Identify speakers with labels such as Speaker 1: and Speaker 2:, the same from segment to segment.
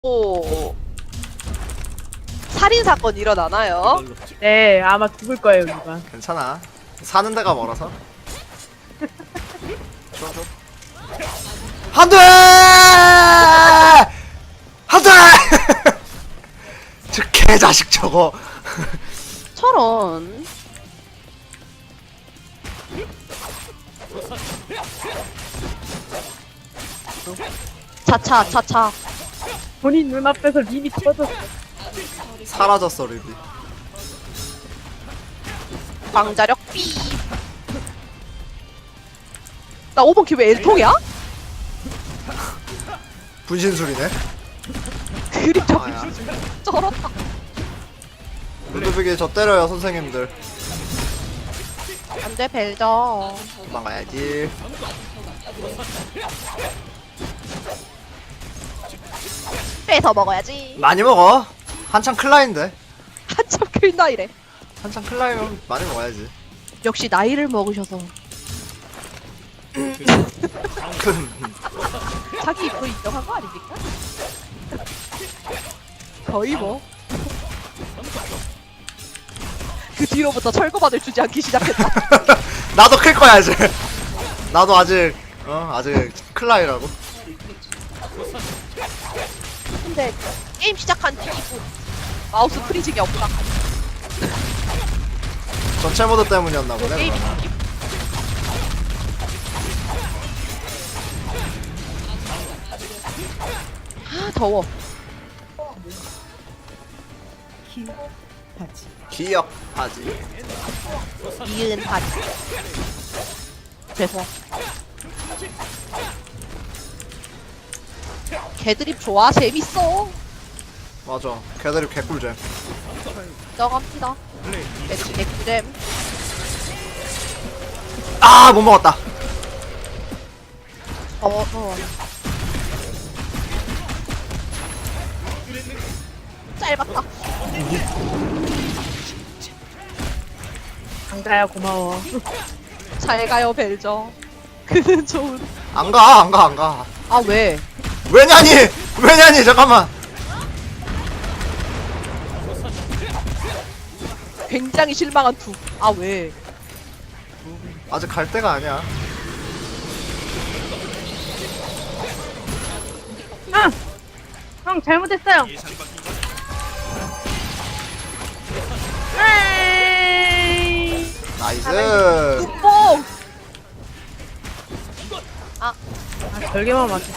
Speaker 1: 또 살인 사건 일어나나요?
Speaker 2: 네, 아마 죽을 거예요, 누가.
Speaker 3: 괜찮아. 사는 데가 멀어서. 좋아, 좋아. 안 돼! 안 돼! 저 개자식 저거.
Speaker 1: 저런. 차차.
Speaker 2: 본인 눈앞에서 림이 터졌어.
Speaker 3: 사라졌어, 립이.
Speaker 1: 광자력 B. 나 5번 큐브 L통이야?
Speaker 3: 분신술이네.
Speaker 1: 그림자
Speaker 3: 아야.
Speaker 1: 쩔었다.
Speaker 3: 루드빅이 저 때려요, 선생님들.
Speaker 1: 안돼 벨저.
Speaker 3: 도망가야지.
Speaker 1: 빼서 먹어야지.
Speaker 3: 많이 먹어. 한창 클라인데.
Speaker 1: 한참 큰 나이래.
Speaker 3: 한창 클라이면 많이 먹어야지.
Speaker 1: 역시 나이를 먹으셔서 자기 입으로 인정한 거 아닙니까? 거의 뭐. 그 뒤로부터 철거받을 주지 않기 시작했다.
Speaker 3: 나도 클 거야, 이제. 나도 아직, 아직 클라이라고.
Speaker 1: 근데 게임 시작한 뒤 마우스 프리징이 없다.
Speaker 3: 전체 모드 때문이었나 보네.
Speaker 1: 게임
Speaker 3: 그러면.
Speaker 1: 아 더워.
Speaker 3: 기억하지.
Speaker 1: 이은 바지. 죄송. 개드립 좋아 재밌어.
Speaker 3: 맞아. 걔들이 개꿀잼.
Speaker 1: 인정합니다. 개드립 개꿀잼.
Speaker 3: 아, 못 먹었다.
Speaker 1: 짧았다.
Speaker 2: 강자야, 고마워.
Speaker 1: 잘 가요 벨저. 그는 좋은.
Speaker 3: 안 가, 안 가, 안 가.
Speaker 1: 아 왜?
Speaker 3: 왜냐니! 왜냐니! 잠깐만.
Speaker 1: 굉장히 실망한 투. 아 왜?
Speaker 3: 아직 갈 때가 아니야.
Speaker 2: 형, 잘못했어요. 에이.
Speaker 3: 나이스.
Speaker 1: 뽕!
Speaker 2: 아, 별개만 맞췄어.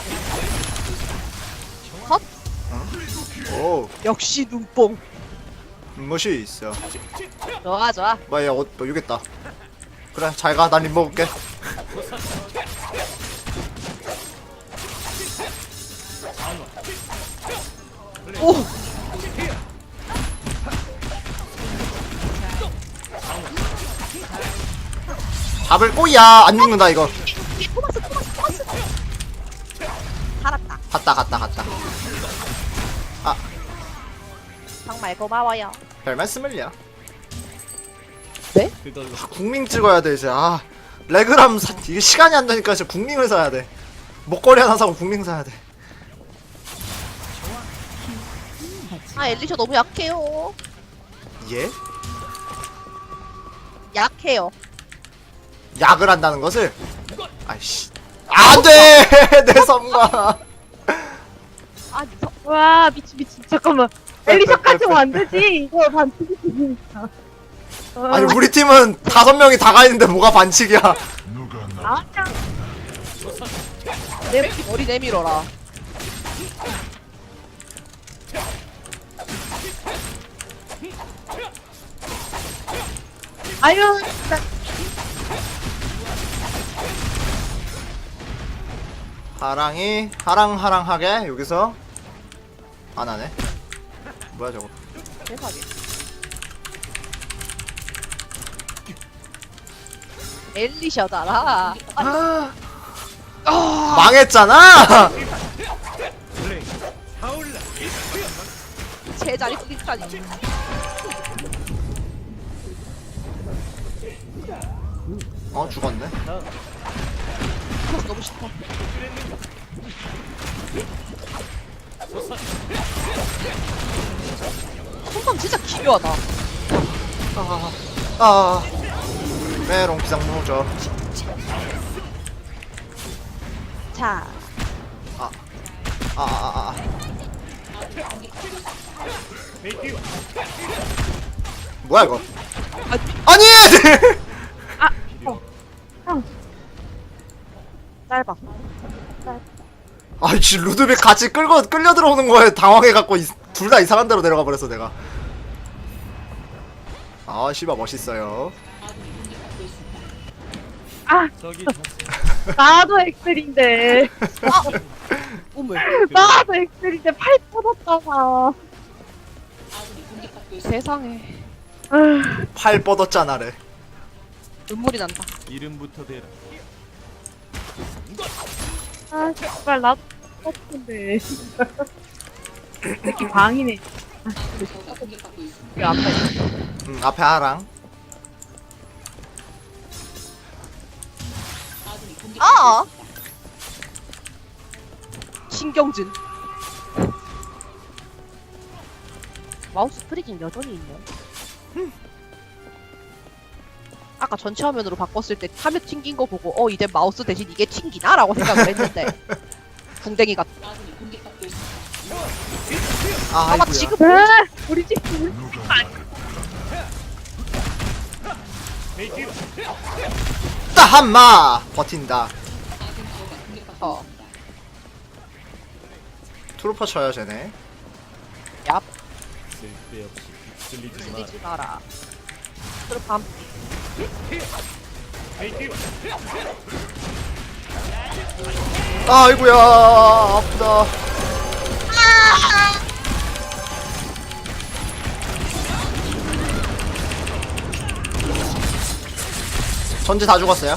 Speaker 1: 컷?
Speaker 3: 오,
Speaker 1: 역시 눈뽕.
Speaker 3: 멋이 있어.
Speaker 1: 좋아.
Speaker 3: 뭐야, 너 유겠다. 그래, 잘 가. 난 립 먹을게.
Speaker 1: 오!
Speaker 3: 잡을 꼬야. 안 죽는다, 이거.
Speaker 1: 토마스. 살았다.
Speaker 3: 갔다. 아,
Speaker 1: 정말 고마워요.
Speaker 3: 별 말씀을요.
Speaker 1: 네?
Speaker 3: 국민 찍어야 돼, 이제. 아, 레그람 이게 시간이 안 되니까 이제 국민을 사야 돼. 목걸이 하나 사고 국민 사야 돼.
Speaker 1: 아 엘리셔 너무 약해요.
Speaker 3: 예?
Speaker 1: 약해요.
Speaker 3: 약을 한다는 것을? 아이씨. 안 돼! 내 선과.
Speaker 1: 아
Speaker 2: 와, 미친. 잠깐만. 엘리셔까지 오면 안 되지. 이거 반칙이 되니까.
Speaker 3: 아니, 우리 팀은 5명이 다 가 있는데 뭐가 반칙이야.
Speaker 2: 아,
Speaker 1: 내 머리 내밀어라.
Speaker 2: 아유, 진짜.
Speaker 3: 하랑이 하랑하게 여기서 안 하네. 뭐야 저거.
Speaker 1: 세상에. 엘리셔다라.
Speaker 3: 망했잖아.
Speaker 1: 제자리 뿌리까지.
Speaker 3: 죽었네.
Speaker 1: 너무 싫다. 손감 진짜 기묘하다.
Speaker 3: 메롱 비상무죠.
Speaker 1: 자,
Speaker 3: 뭐야 이거?
Speaker 1: 아,
Speaker 3: 아니!
Speaker 1: 짧아.
Speaker 3: 아이씨 루드빅 같이 끌려 들어오는 거에 당황해갖고 둘 다 이상한 데로 내려가 버렸어 내가. 아 씨바 멋있어요.
Speaker 2: 아, 나도 엑셀인데.
Speaker 1: 오물.
Speaker 2: 나도 엑셀인데 팔 터졌잖아.
Speaker 1: 세상에.
Speaker 3: 팔 뻗었잖아래.
Speaker 1: 눈물이 난다.
Speaker 4: 이름부터 대라.
Speaker 2: 아, 정말 나도 터졌는데. 이렇게 방이네. 그 앞에.
Speaker 3: 앞에 하랑.
Speaker 1: 아! 신경진. 마우스 프리징 여전히 있네. 아까 전체 화면으로 바꿨을 때 화면 튕긴 거 보고 이제 마우스 대신 이게 튕기나? 라고 생각을 했는데 궁뎅이 같다. 아마
Speaker 3: 아이고야.
Speaker 1: 지금
Speaker 2: 우리 집
Speaker 3: 따 한마 버틴다. 트루퍼 쳐요 쟤네.
Speaker 1: 얍
Speaker 4: 쓸데없이 휩쓸리지 마.
Speaker 1: 들리지 마라. 그럼 밤
Speaker 3: 아이고야 아프다. 전지 다 죽었어요.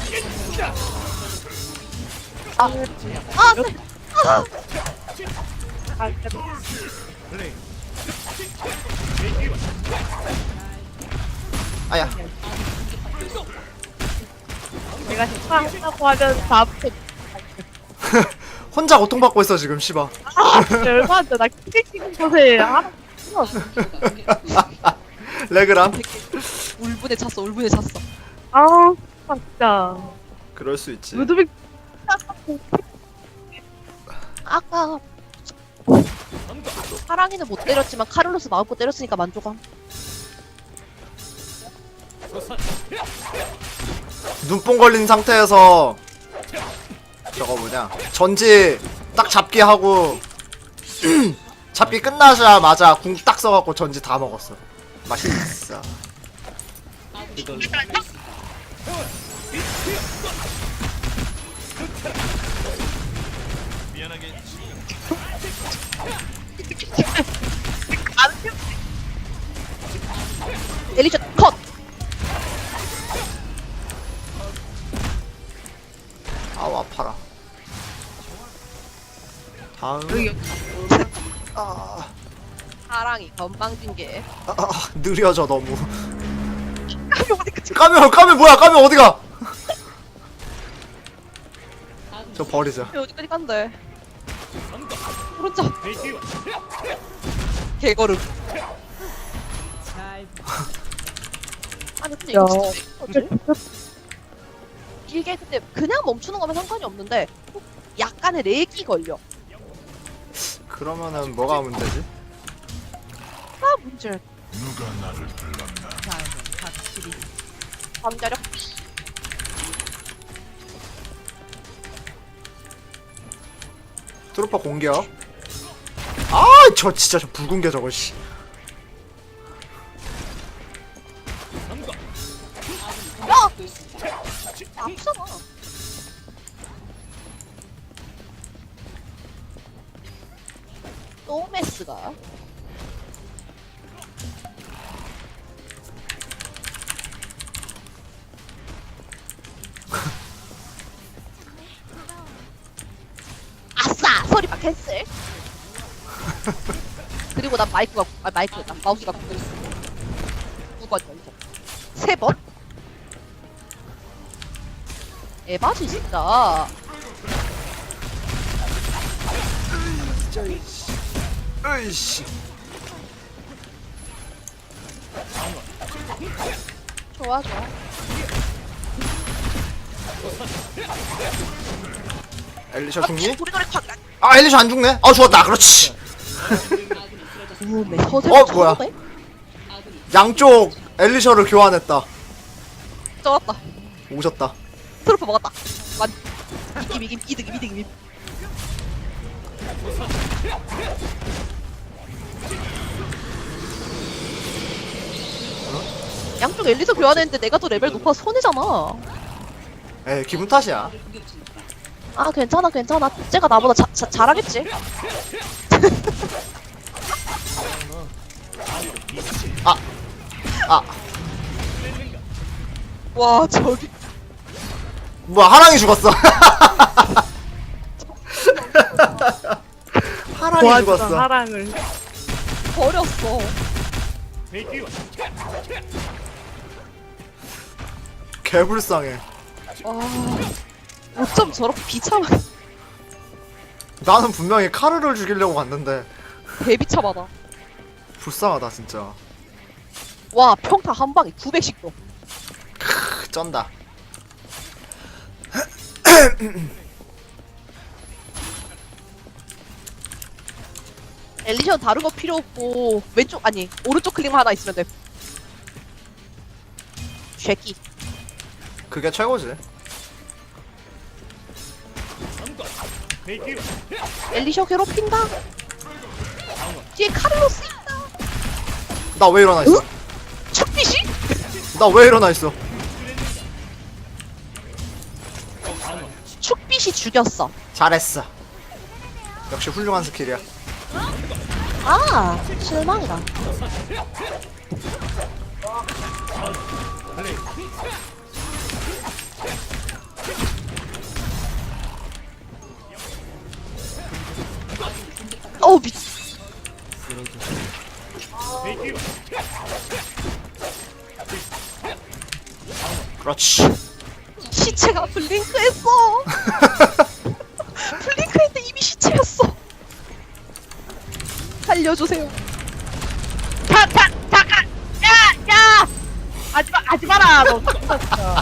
Speaker 3: 아야.
Speaker 2: 내가 식사한다고 하면 다 앞에
Speaker 3: 혼자 고통받고 있어 지금 씨바.
Speaker 2: 열받아. 나 키를 찍은 곳에 하나
Speaker 3: 레그람.
Speaker 1: 울분에 찼어. 울분에 찼어.
Speaker 2: 아우 진짜
Speaker 3: 그럴 수 있지.
Speaker 2: 루드빅
Speaker 1: 아까 사랑이는 못 때렸지만 카를로스 마음껏 때렸으니까 만족함.
Speaker 3: 눈뽕 걸린 상태에서 저거 뭐냐 전지 딱 잡기 하고 잡기 끝나자마자 궁 딱 써갖고 전지 다 먹었어. 맛있어.
Speaker 4: 미안하게
Speaker 1: 엘리셔 컷!
Speaker 3: 아우 아파라. 다음.
Speaker 1: 사랑이 건방진게.
Speaker 3: 느려져 너무.
Speaker 1: 까미 어디까지
Speaker 3: 까면 뭐야? 까면 어디가? 저 버리자.
Speaker 1: 어디까지 간대. 오른쪽 개걸음. 아니 근데
Speaker 2: 야.
Speaker 1: 이거 진짜 왜 그러지? 이게 근데 그냥 멈추는 거면 상관이 없는데 약간의 렉이 걸려.
Speaker 3: 그러면은 뭐가 문제지?
Speaker 1: 문제. 누가 나를 불렀나? 잠자력.
Speaker 3: 트루퍼 공격. 아, 저 진짜 저 붉은 게 저거 씨.
Speaker 1: 아프잖아. 노메스가 아싸! 소리만 캔슬. 그리고 난 마이크가 난 마우스가 두 번 연속 3번? 에바지 진짜.
Speaker 3: 으이씨.
Speaker 1: 좋아 좋아.
Speaker 3: 엘리셔 죽니?
Speaker 1: 도리도리 콱.
Speaker 3: 아 엘리셔 안 죽네. 아 죽었다. 그렇지.
Speaker 1: 우네 서재.
Speaker 3: 뭐야? 양쪽 엘리셔를 교환했다.
Speaker 1: 쩔었다.
Speaker 3: 오셨다.
Speaker 1: 트로프 먹었다. 완. 이김 이득. 양쪽 엘리서 교환했는데 내가 더 레벨 높아서 손해잖아.
Speaker 3: 에이 기분 탓이야.
Speaker 1: 아 괜찮아. 쟤가 나보다 잘하겠지.
Speaker 3: 아
Speaker 1: 와 저기
Speaker 3: 뭐야 하랑이 죽었어. 하랑이
Speaker 2: 도와주던
Speaker 3: 죽었어.
Speaker 2: 하랑을.
Speaker 1: 버렸어.
Speaker 3: 개불쌍해.
Speaker 1: 어쩜 저렇게 비참하게
Speaker 3: 나는 분명히 카르를 죽이려고 갔는데
Speaker 1: 대비참하다.
Speaker 3: 불쌍하다 진짜.
Speaker 1: 와 평타 한 방에 900씩 줘.
Speaker 3: 쩐다.
Speaker 1: 엘리션 다른 거 필요 없고 왼쪽 아니 오른쪽 클릭만 하나 있으면 돼. 쉐끼.
Speaker 3: 그게 최고지.
Speaker 1: 엘리셔 괴롭힌다. 뒤에 카를로스 있다.
Speaker 3: 나 왜 일어나 있어?
Speaker 1: 축빛이?
Speaker 3: 나 왜 일어나 있어?
Speaker 1: 축빛이 죽였어.
Speaker 3: 잘했어. 역시 훌륭한 스킬이야.
Speaker 1: 아 실망이다. 어우 미.
Speaker 3: 그렇지.
Speaker 1: 시체가 블링크했어. 블링크했는데 이미 시체였어. 살려주세요.
Speaker 2: 잠깐! 야! 하지 마라! 너 진짜.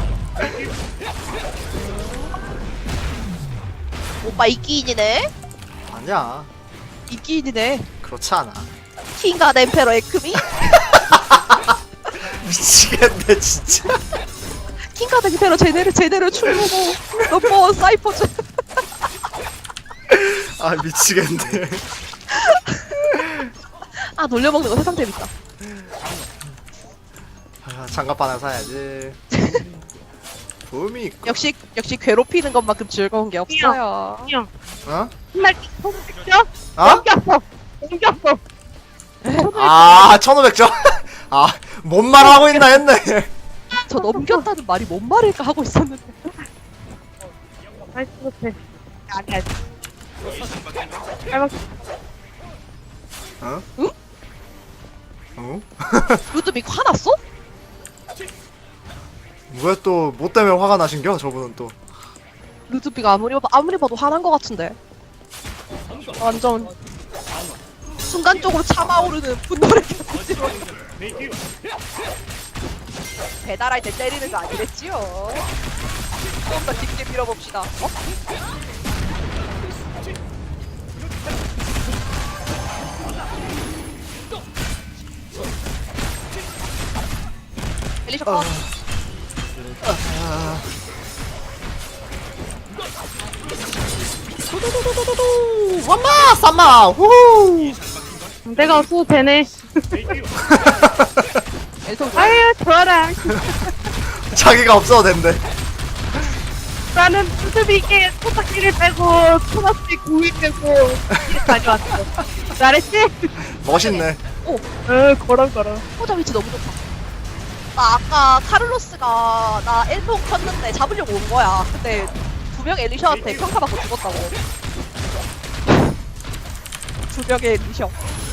Speaker 1: 오빠 이끼인이네.
Speaker 3: 아니야.
Speaker 1: 이끼인이네.
Speaker 3: 그렇지 않아.
Speaker 1: 킹과 엠페러 에크미.
Speaker 3: 미치겠네 진짜.
Speaker 1: 킹과 엠페러 제대로 출보고 넘버원 사이퍼즈.
Speaker 3: 아 미치겠네.
Speaker 1: 아 놀려먹는 거 세상 재밌다.
Speaker 3: 아, 장갑 하나 사야지. 봄이 있고.
Speaker 1: 역시 괴롭히는 것만큼 즐거운 게 없어요.
Speaker 2: 형,
Speaker 3: 어?
Speaker 2: 정말 죠
Speaker 3: 어?
Speaker 2: 넘겼어.
Speaker 3: 아 1500점. 아 뭔 말 하고 있나 했네.
Speaker 1: 저 넘겼다는 말이 뭔 말일까 하고 있었는데.
Speaker 2: 나이스 못해. 아니야. 잘 먹.
Speaker 3: 어?
Speaker 1: 응?
Speaker 3: 어?
Speaker 1: 루드빅 화났어?
Speaker 3: 왜 또 뭐 때문에 화가 나신겨? 저분은 또.
Speaker 1: 루드빅 아무리 봐도 화난 것 같은데. 완전 순간적으로 참아오르는 분노를 견디지로. 배달할 때 때리는 거 아니랬지요? 좀 더 깊게 밀어봅시다. 어? 엘리셔 컷.
Speaker 3: 쌈마 쌈마 후.
Speaker 2: 내가 없어도 되네.
Speaker 1: 엘통
Speaker 2: 아유, 좋아라.
Speaker 3: 자기가 없어도 된대.
Speaker 2: 나는 수습이게 토닥기를 빼고 토마스에 구이 빼고 이렇게 가져왔어. 잘했지?
Speaker 3: 멋있네.
Speaker 2: 걸어.
Speaker 1: 포자 위치 너무 좋다. 나 아까 카를로스가 나 엘통 쳤는데 잡으려고 온 거야. 근데 두 명 엘리셔한테 평타 받고 죽었다고. 두 명의 엘리셔.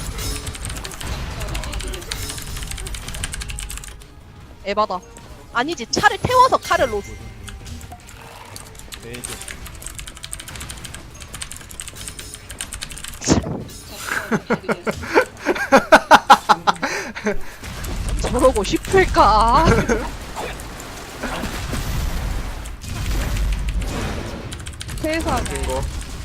Speaker 1: 에바다. 아니지, 차를 태워서 카를로스.
Speaker 4: 내게
Speaker 1: 저러고 싶을까? 세상에.
Speaker 3: 이거.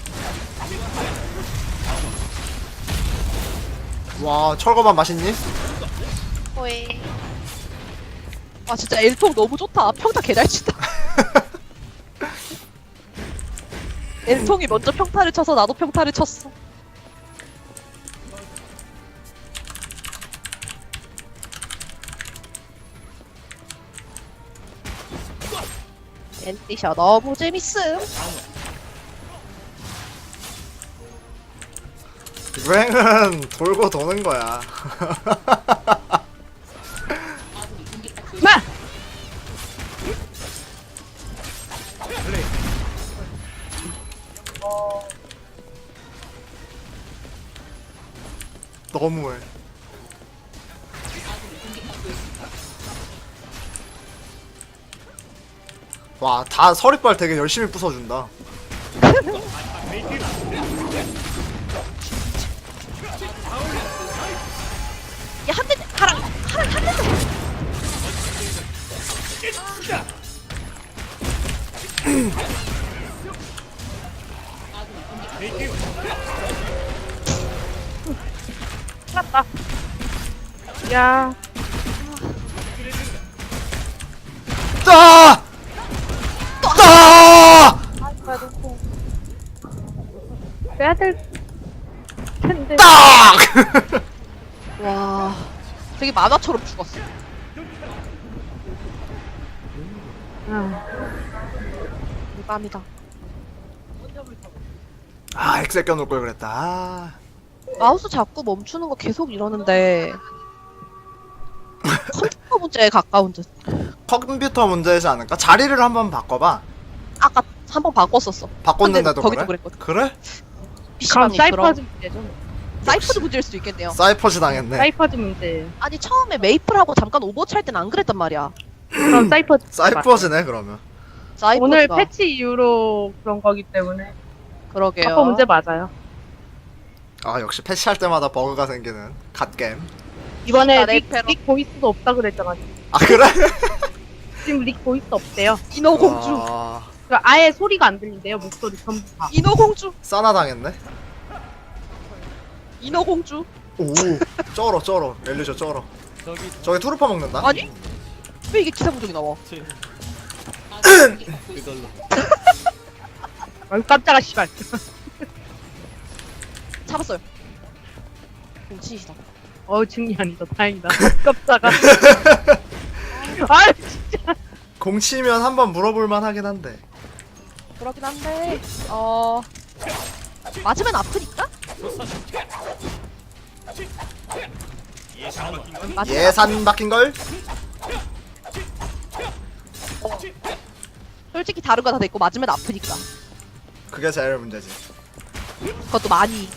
Speaker 3: 와, 철거만 맛있니?
Speaker 1: 호이. 아 진짜 엘통 너무 좋다. 평타 개잘 친다. 엘통이 먼저 평타를 쳐서 나도 평타를 쳤어. 엔티셔 너무 재밌음.
Speaker 3: 유행은 돌고 도는 거야.
Speaker 2: 마!
Speaker 3: 너무해. 와, 다 서리빨 되게 열심히 부숴준다.
Speaker 1: 야, 한 대, 하랑, 하랑, 한 대.
Speaker 2: 끝났다. 야,
Speaker 3: 따! 따!
Speaker 2: 빼야 될 텐데.
Speaker 3: 딱!
Speaker 1: 와, 되게 만화처럼 죽었어.
Speaker 2: 아,
Speaker 1: 대박이다.
Speaker 3: 아, 엑셀 껴놓을 걸 그랬다. 아.
Speaker 1: 마우스 자꾸 멈추는 거 계속 이러는데 컴퓨터 문제에 가까운 듯.
Speaker 3: 컴퓨터 문제이지 않을까? 자리를 한번 바꿔봐.
Speaker 1: 아까 한 번 바꿨었어.
Speaker 3: 바꿨는데도
Speaker 1: 근데 거기도
Speaker 3: 그래?
Speaker 1: 그랬거든.
Speaker 3: 그래?
Speaker 2: 그럼
Speaker 1: PC방이
Speaker 2: 사이퍼즈 문제죠.
Speaker 1: 사이퍼드 문제일 수도 있겠네요.
Speaker 3: 사이퍼즈 당했네.
Speaker 2: 사이퍼즈 문제.
Speaker 1: 아니 처음에 메이플하고 잠깐 오버워치 할 때는 안 그랬단 말이야.
Speaker 2: 그럼 사이퍼즈.
Speaker 3: 사이퍼즈네 그러면.
Speaker 1: 사이퍼드가.
Speaker 2: 오늘 패치 이후로 그런 거기 때문에
Speaker 1: 그러게요.
Speaker 2: 아까 문제 맞아요.
Speaker 3: 아, 역시 패치할 때마다 버그가 생기는 갓겜.
Speaker 2: 이번에
Speaker 1: 아, 레이페로.
Speaker 2: 릭 보이스도 없다 그랬잖아.
Speaker 3: 아, 그래?
Speaker 2: 지금 릭 보이스 없대요.
Speaker 1: 인어공주.
Speaker 3: 아,
Speaker 2: 그러니까 아예 소리가 안 들린대요. 목소리 전부 다.
Speaker 1: 인어공주.
Speaker 3: 싸나 당했네.
Speaker 1: 인어공주.
Speaker 3: 오, 쩔어. 엘리셔 쩔어.
Speaker 4: 저기
Speaker 3: 저기 투르파 먹는다.
Speaker 1: 아니? 왜 이게 기사부족이 나와?
Speaker 4: 제 그걸로
Speaker 2: 아유 깜짝아 씨발.
Speaker 1: 잡았어요. 공치시다.
Speaker 2: 증이 아니다. 다행이다. 깜짝아. 아 진짜.
Speaker 3: 공치면 한번 물어볼만 하긴 한데.
Speaker 1: 그러긴 한데 맞으면 아프니까? 맞으면
Speaker 3: 예산 박힌 걸?
Speaker 1: 솔직히 다른 거 다 됐고 맞으면 아프니까.
Speaker 3: 그게 제일 문제지.
Speaker 1: 그것도 많이.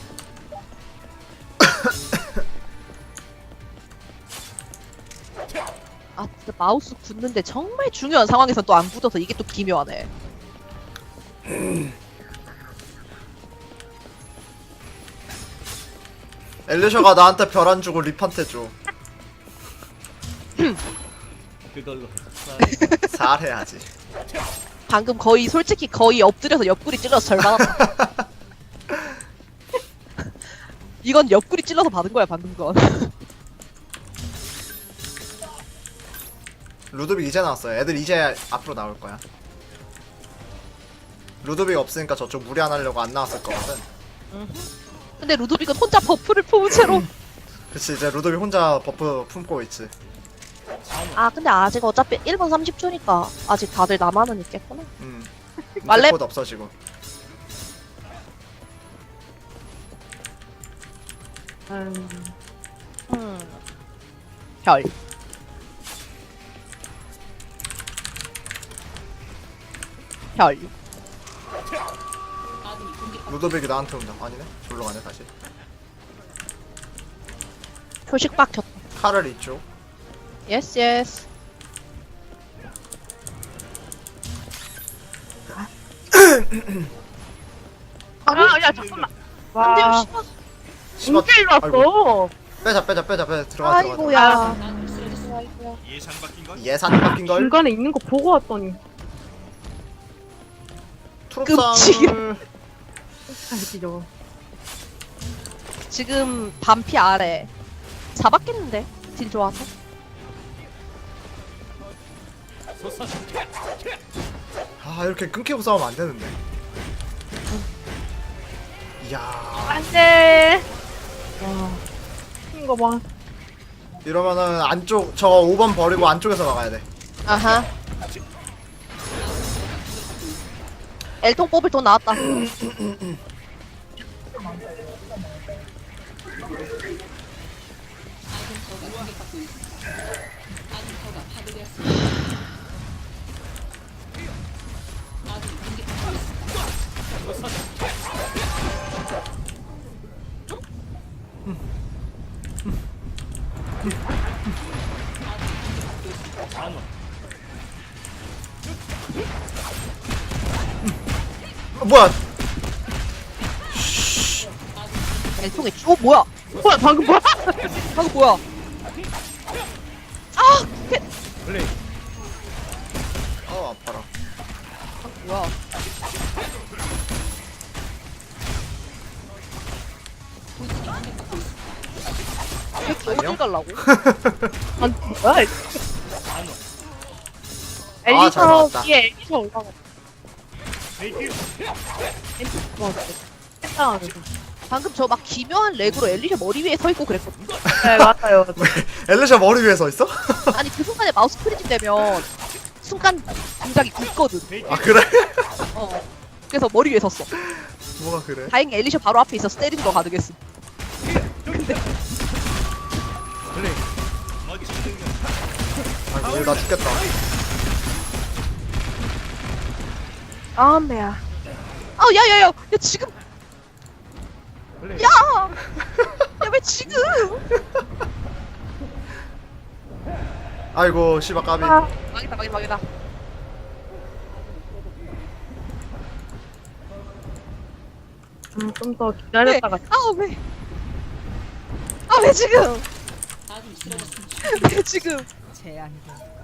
Speaker 1: 아 진짜 마우스 굳는데 정말 중요한 상황에서 또 안 굳어서 이게 또 기묘하네.
Speaker 3: 엘리셔가 나한테 별 안 주고 립한테 줘.
Speaker 4: 그걸로
Speaker 3: 잘해야지.
Speaker 1: 방금 거의 솔직히 거의 엎드려서 옆구리 찔러서 절반았다. 이건 옆구리 찔러서 받은 거야 방금 건.
Speaker 3: 루드빅 이제 나왔어요. 애들 이제 앞으로 나올 거야. 루드빅 없으니까 저쪽 무리 안 하려고 안 나왔을 거거든.
Speaker 1: 근데 루도빅은 혼자 버프를 품은 채로.
Speaker 3: 그치, 이제 루드빅 혼자 버프 품고 있지.
Speaker 1: 아 근데 아직 어차피 1분 30초니까 아직 다들 남아는 있겠구나.
Speaker 3: 말레
Speaker 1: 말레-
Speaker 3: 코드 없어지고.
Speaker 1: 별. 별.
Speaker 3: 루드빅이 나한테 온다. 아니네? 졸로 가네 다시.
Speaker 1: 표식 박혔다.
Speaker 3: 칼을 이쪽.
Speaker 1: 예스 예스.
Speaker 2: 야 잠깐만.
Speaker 1: 안돼요
Speaker 2: 와
Speaker 1: 씨발.
Speaker 3: 씨발.
Speaker 2: 인질
Speaker 3: 아이고.
Speaker 2: 왔어.
Speaker 3: 빼자 들어가 들어가.
Speaker 1: 아이고야.
Speaker 3: 예산 바뀐 걸.
Speaker 2: 중간에 있는 거 보고 왔더니.
Speaker 3: 트롭상을
Speaker 2: 알지 저거.
Speaker 1: 지금 반피 아래. 잡았겠는데? 딜 좋아서.
Speaker 3: 아 이렇게 끊기고 싸우면 안 되는데. 이야
Speaker 2: 안돼. 와. 이거 봐.
Speaker 3: 이러면은 안쪽 저 5번 버리고 안쪽에서 막아야 돼.
Speaker 1: 아하. 엘통 뽑을 돈 나왔다.
Speaker 3: 뭐야?
Speaker 1: 엘통에 뭐야?
Speaker 2: 뭐야 방금 뭐야?
Speaker 1: 방금 뭐야? 아!
Speaker 4: 플레이.
Speaker 3: 아파라.
Speaker 1: 뭐야? 이렇게 어딜 갈라고?
Speaker 2: 아니 뭐야?
Speaker 3: 아, 잘
Speaker 2: 엘리셔
Speaker 3: 나왔다.
Speaker 2: 위에 엘리셔 올라가. 엘리셔 했다.
Speaker 1: 방금 저 막 기묘한 렉으로 엘리샤 머리 위에 서 있고 그랬거든.
Speaker 2: 네 맞아요.
Speaker 3: 엘리샤 머리 위에 서 있어?
Speaker 1: 아니 그 순간에 마우스 프리징 되면 순간 동작이 굳거든.
Speaker 3: 아 그래?
Speaker 1: 어. 그래서 머리 위에 섰어.
Speaker 3: 뭐가 그래?
Speaker 1: 다행히 엘리샤 바로 앞에 있어서 때리는 거 가능했어.
Speaker 4: 플레이.
Speaker 3: 아 이거 나 죽겠다.
Speaker 2: 아 매야.
Speaker 1: 아 야야야, 야 지금,
Speaker 4: 플레이.
Speaker 1: 야, 야 왜 지금?
Speaker 3: 아이고 씨발 까비.
Speaker 1: 망했다.
Speaker 2: 좀 더 기다렸다가.
Speaker 1: 왜? 아 왜 지금? 왜 지금?
Speaker 5: 제안이